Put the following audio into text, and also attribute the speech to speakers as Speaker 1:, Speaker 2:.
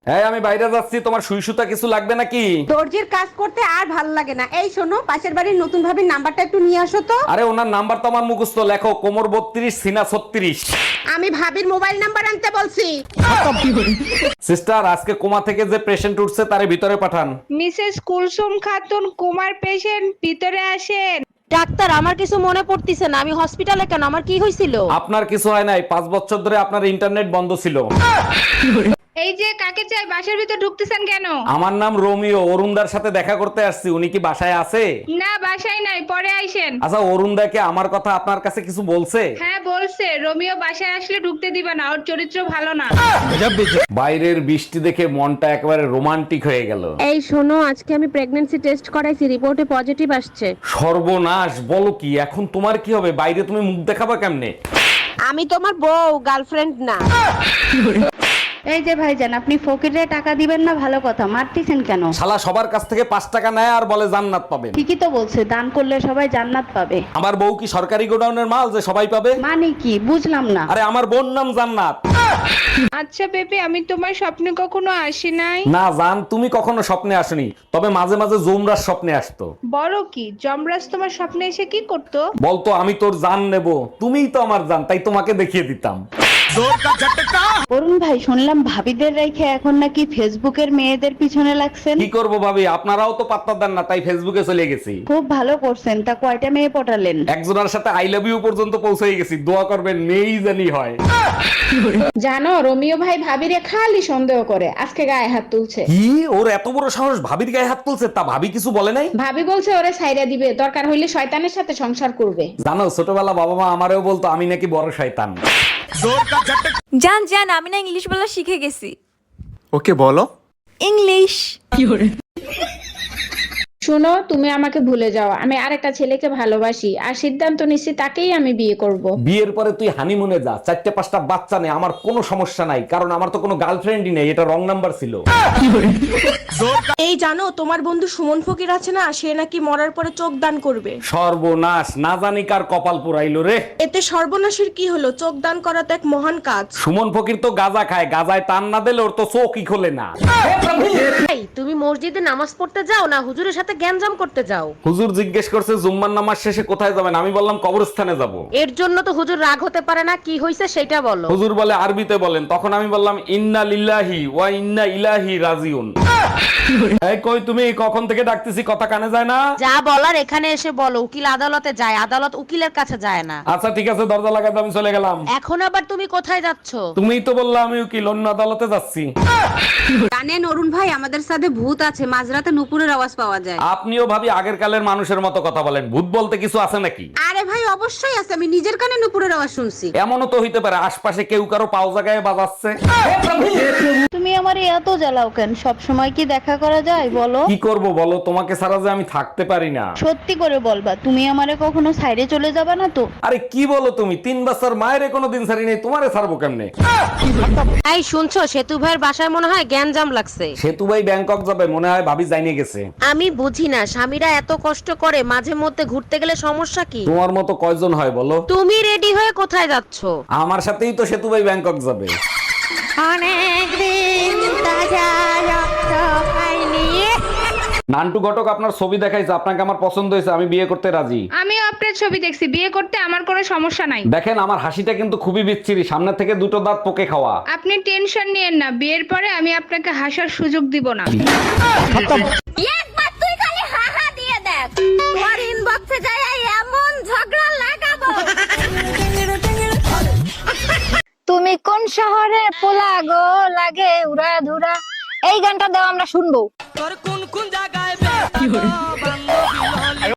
Speaker 1: হ্যাঁ আমি বাইরে যাচ্ছি, তোমার সুই সুতা কিছু লাগবে নাকি?
Speaker 2: দর্জির কাজ করতে আর ভাল লাগে না। এই শোনো, পাশের বাড়ির নতুন ভাবির নাম্বারটা একটু নিয়ে আসো তো।
Speaker 1: আরে ওনার নাম্বার তো আমার মুখস্থ, লেখো কোমর 32 সিনা 36।
Speaker 2: আমি ভাবির মোবাইল নাম্বার আনতে বলছি।
Speaker 1: সিস্টার, আজকে কোমা থেকে যে পেশেন্ট উঠছে তারে ভিতরে পাঠান।
Speaker 3: মিসেস কুলসুম খাতুন কুমার পেশেন্ট, ভিতরে আসেন।
Speaker 2: ডাক্তার, আমার কিছু মনে পড়তিছে না, আমি হসপিটালে কেন? আমার কি হয়েছিল?
Speaker 1: আপনার কিছু হয় নাই, 5 বছর ধরে আপনার ইন্টারনেট বন্ধ ছিল।
Speaker 3: এই যে কাকে চাই, বাসার ভিতর ঢুকতেছেন কেন?
Speaker 1: আমার নাম রোমিও, অরুণদার সাথে দেখা করতে আসছি। উনি কি বাসায় আছে?
Speaker 3: না, বাসায় নাই, পরে আইসেন।
Speaker 1: আচ্ছা, অরুণদাকে আমার কথা আপনার কাছে কিছু বলছে?
Speaker 3: হ্যাঁ বলছে, রোমিও বাসায় আসলে ঢুকতে দিবে না, ওর চরিত্র ভালো না।
Speaker 1: বাইরের বৃষ্টি দেখে মনটা একেবারে রোমান্টিক হয়ে গেল।
Speaker 2: এই শোনো, আজকে আমি প্রেগন্যান্সি টেস্ট করাইছি, রিপোর্টে পজিটিভ আসছে।
Speaker 1: সর্বনাশ, বলো কি? এখন তোমার কি হবে? বাইরে তুমি মুখ দেখাবা কেমনে?
Speaker 2: আমি তোমার বউ, গার্লফ্রেন্ড না।
Speaker 4: এই যে ভাইজান, আপনি ফকিরে টাকা দিবেন না, ভালো কথা, মারতেছেন কেন?
Speaker 1: শালা সবার কাছ থেকে 5 টাকা নেয় আর বলে জান্নাত পাবেন।
Speaker 4: ঠিকই তো বলছে, দান করলে সবাই জান্নাত পাবে।
Speaker 1: আমার বউ কি সরকারি গোডাউনের মাল যে সবাই পাবে?
Speaker 4: মানে কি বুঝলাম না।
Speaker 1: আরে আমার বোন নাম জান্নাত।
Speaker 3: আচ্ছা বেবি, আমি তোমার স্বপ্নে কখনো আসি নাই।
Speaker 1: না জান, তুমি কখনো স্বপ্নে আসনি, তবে মাঝে মাঝে জুমরার স্বপ্নে আসতো।
Speaker 3: বড় কি যমরাজ তোমার স্বপ্নে এসে কি করতো?
Speaker 1: বলতো আমি তোর জান নেব, তুমিই তো আমার জান, তাই তোমাকে দেখিয়ে দিতাম।
Speaker 4: অরুণ ভাই, শুনলাম ভাবিদের রেখে এখন নাকি ফেসবুকের মেয়েদের পিছনে লাগছেন।
Speaker 1: কি করব ভাবি, আপনারাও তো পাত্তা দেন না, তাই ফেসবুকে চলে গেছি।
Speaker 4: খুব ভালো করছেন। তা কয়টা মেয়ে পটালেন?
Speaker 1: একজনের সাথে আই লাভ ইউ পর্যন্ত পৌঁছে গেছি। দোয়া করবেন, মেয়েই জানি হয়।
Speaker 3: জানো, রোমিও ভাই ভাবিরে খালি সন্দেহ করে, আজকে গায়ে হাত তুলছে।
Speaker 1: কি, ওর এত বড় সাহস ভাবির গায়ে হাত তুলছে? তা ভাবি কিছু বলে নাই?
Speaker 3: ভাবি বলছে ওরে ছাইরা দিবে, দরকার হইলে শয়তানের সাথে সংসার করবে।
Speaker 1: জানো, ছোটবেলা বাবা মা আমারেও বলতো আমি নাকি বড় শয়তান।
Speaker 5: জান জান, আমি না ইংলিশ বলা শিখে গেছি।
Speaker 6: ওকে বলো।
Speaker 5: ইংলিশ।
Speaker 3: শুনো, তুমি আমাকে ভুলে যাও, আমি আরেকটা ছেলেকে ভালোবাসি আর সিদ্ধান্ত নিচ্ছি তাকেই আমি বিয়ে করব।
Speaker 1: বিয়ের পরে তুই হানিমুনে যা, 4-5টা বাচ্চা নেই, আমার কোনো সমস্যা নাই, কারণ আমার তো কোনো গার্লফ্রেন্ডই নেই, এটা রং নাম্বার ছিল।
Speaker 7: এই জানো, তোমার বন্ধু সুমন ফকির আছে না, সে নাকি মরার পরে চোখ দান করবে।
Speaker 1: সর্বনাশ, না জানি কার কপাল পুরাইলো রে।
Speaker 7: এতে সর্বনাশের কি হলো? চোখ দান করা তো এক মহান কাজ।
Speaker 1: সুমন ফকির তো গাঁজা খায়, গাঁজায় টান না দিলে ওর তো চোখই খোলে না।
Speaker 2: ভাই, তুমি মসজিদে নামাজ পড়তে যাও না হুজুরের সাথে গ্যাঞ্জাম করতে যাও?
Speaker 1: হুজুর জিজ্ঞেস করছে জুম্মার নামাজ শেষে কোথায় যাবেন, আমি বললাম কবরস্থানে যাব।
Speaker 2: এর জন্য তো হুজুর রাগ হতে পারে না, কি হয়েছে সেটা বলো।
Speaker 1: হুজুর বলে আরবিতে বলেন, তখন আমি বললাম ইন্না লিল্লাহি ওয়া ইন্না ইলাইহি রাজিউন। এই কই তুমি, কখন থেকে ডাকতেছি, কথা কানে যায় না?
Speaker 2: যা বলার এখানে এসে বলো, উকিল আদালতে যায়, আদালত উকিলের কাছে যায় না।
Speaker 1: আচ্ছা ঠিক আছে, দরজা লাগাতে আমি চলে গেলাম।
Speaker 2: এখন আবার তুমি কোথায় যাচ্ছ?
Speaker 1: তুমিই তো বললা আমি উকিল, অন্য আদালতে যাচ্ছি।
Speaker 2: জানেন অরুণ ভাই, আমাদের সাথে ভূত আছে, মাঝরাতে নুপুরের আওয়াজ পাওয়া যায়।
Speaker 1: আপনিও ভাবি আগের কালের মানুষের মতো কথা বলেন, ভূত বলতে কিছু আছে নাকি?
Speaker 2: আরে ভাই, অবশ্যই আছে, আমি নিজের কানে নুপুরের আওয়াজ শুনছি।
Speaker 1: এমনও তো হইতে পারে আশপাশে কেউ কারো পাও জায়গায় বাজাচ্ছে।
Speaker 4: তুমি আমার এত জ্বালাও কেন? সব সময় কি দেখা করা যায় বলো?
Speaker 1: কি করব বলো, তোমাকে ছাড়া যে আমি থাকতে পারি না।
Speaker 4: সত্যি করে বলবা, তুমি আমারে কখনো সাইডে চলে যাবা না তো?
Speaker 1: আরে কি বলো তুমি, 3 বছর মায়ের কোনো দিন ছাড়ি নেই, তোমারে ছাড়বো কেমনে?
Speaker 2: এই শুনছো, সেতু ভাইয়ের বাসায় মনে হয় গ্যাঞ্জাম লাগছে।
Speaker 1: সেতু ভাই ব্যাংকক যাবে, মনে হয় ভাবি জানিয়ে গেছে।
Speaker 2: আমি বুঝি না, স্বামীরা এত কষ্ট করে, মাঝে মধ্যে ঘুরতে গেলে সমস্যা কি?
Speaker 1: তোমার মতো কয়জন হয় বলো?
Speaker 2: তুমি রেডি হয়ে কোথায় যাচ্ছ?
Speaker 1: আমার সাথেই তো সেতু ভাই ব্যাংকক যাবে। নান্টু ঘটক আপনার ছবি দেখাইছে, আপনাকে আমার পছন্দ হয়েছে, আমি বিয়ে করতে রাজি।
Speaker 3: আমিও আপনার ছবি দেখছি, বিয়ে করতে আমার কোনো সমস্যা নাই।
Speaker 1: দেখেন আমার হাসিটা কিন্তু খুবই বিচ্ছিরি, সামনে থেকে 2টো দাঁত পোকে খাওয়া।
Speaker 3: আপনি টেনশন নিয়েন না, বিয়ের পরে আমি আপনাকে হাসার সুযোগ দিব না।
Speaker 8: একবার তুই খালি হা হা দিয়ে দেখ, তোর ইনবক্সে যায় এমন ঝগড়া লাগাবো। তুমি কোন শহরে পোলা গো লাগে উড়া ধুরা, এই গানটা দাও আমরা শুনবো।
Speaker 7: তোর কোন কোন জায়গায়